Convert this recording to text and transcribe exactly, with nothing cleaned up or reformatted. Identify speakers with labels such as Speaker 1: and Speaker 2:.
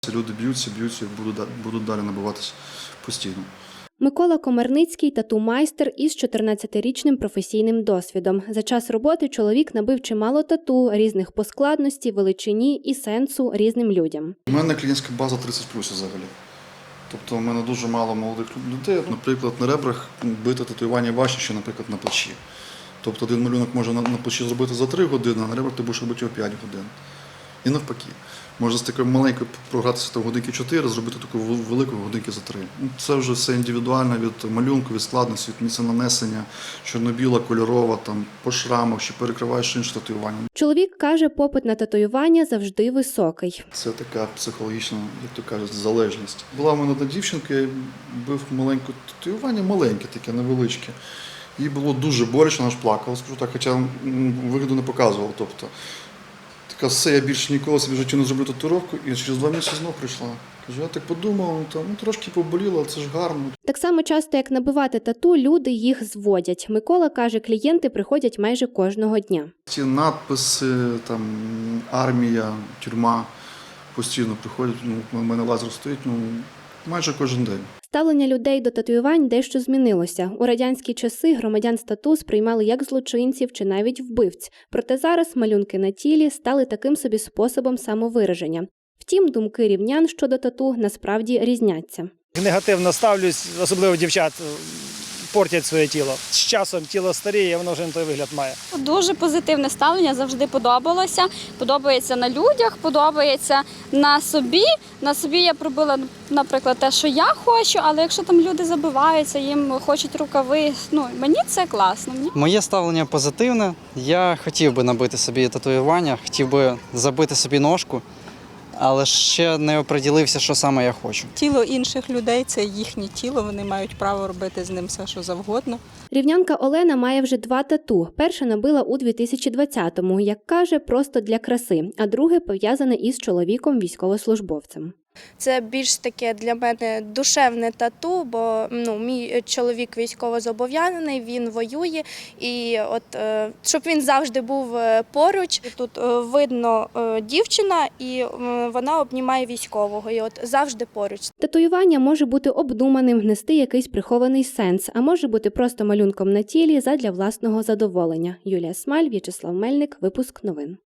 Speaker 1: Люди б'ються, б'ються і будуть, будуть далі набиватися постійно.
Speaker 2: Микола Комарницький – тату-майстер із чотирнадцятирічним професійним досвідом. За час роботи чоловік набив чимало тату різних по складності, величині і сенсу різним людям.
Speaker 1: У мене клієнтська база тридцять плюс взагалі. Тобто у мене дуже мало молодих людей. Наприклад, на ребрах бити татуювання важче, ніж, наприклад, на плечі. Тобто один малюнок може на плечі зробити за три години, а на ребрах ти будеш робити його п'ять годин. І навпаки. Можна з такою маленькою програтися в годинки чотири, зробити таку велику годинки за три. Це вже все індивідуально від малюнку, від складності, від місця нанесення, чорно-біла, кольорова, там, по шрамах, чи перекриваєш інше татуювання.
Speaker 2: Чоловік каже, попит на татуювання завжди високий.
Speaker 1: Це така психологічна, як то кажуть, залежність. Була в мене одна дівчинка, я бив маленьке татуювання, маленьке таке, невеличке. Їй було дуже боляче, вона ж плакала, скажу так, хоча вигляду не показувала. Тобто, така, все, я більше ніколи собі в житті не зроблю татуїровку, і через два місяці знов прийшла. Кажу, я так подумав, ну, там, ну, трошки поболіло, але це ж гарно.
Speaker 2: Так само часто, як набивати тату, люди їх зводять. Микола каже, клієнти приходять майже кожного дня.
Speaker 1: Ці надписи, там, армія, тюрма постійно приходять, ну, у мене лазер стоїть, ну, майже кожен день.
Speaker 2: Ставлення людей до татуювань дещо змінилося. У радянські часи громадян з тату сприймали як злочинців чи навіть вбивць. Проте зараз малюнки на тілі стали таким собі способом самовираження. Втім, думки рівнян щодо тату насправді різняться.
Speaker 3: Негативно ставлюсь, особливо дівчат, портять своє тіло. З часом тіло старіє, воно вже не той вигляд має.
Speaker 4: Дуже позитивне ставлення, завжди подобалося. Подобається на людях, подобається на собі. На собі я пробила, наприклад, те, що я хочу, але якщо там люди забиваються, їм хочуть рукави, ну, мені це класно.
Speaker 5: Моє ставлення позитивне. Я хотів би набити собі татуювання, хотів би забити собі ножку, але ще не оприділився, що саме я хочу.
Speaker 6: Тіло інших людей – це їхнє тіло, вони мають право робити з ним все, що завгодно.
Speaker 2: Рівнянка Олена має вже два тату. Перше набила у дві тисячі двадцятому, як каже, просто для краси, а друге пов'язане із чоловіком-військовослужбовцем.
Speaker 7: Це більш таке для мене душевне тату, бо ну, мій чоловік військовозобов'язаний, він воює, і от е, щоб він завжди був поруч. Тут е, видно е, дівчина, і е, вона обнімає військового, і от завжди поруч.
Speaker 2: Татуювання може бути обдуманим, нести якийсь прихований сенс, а може бути просто малюнком на тілі задля власного задоволення. Юлія Смаль, В'ячеслав Мельник, випуск новин.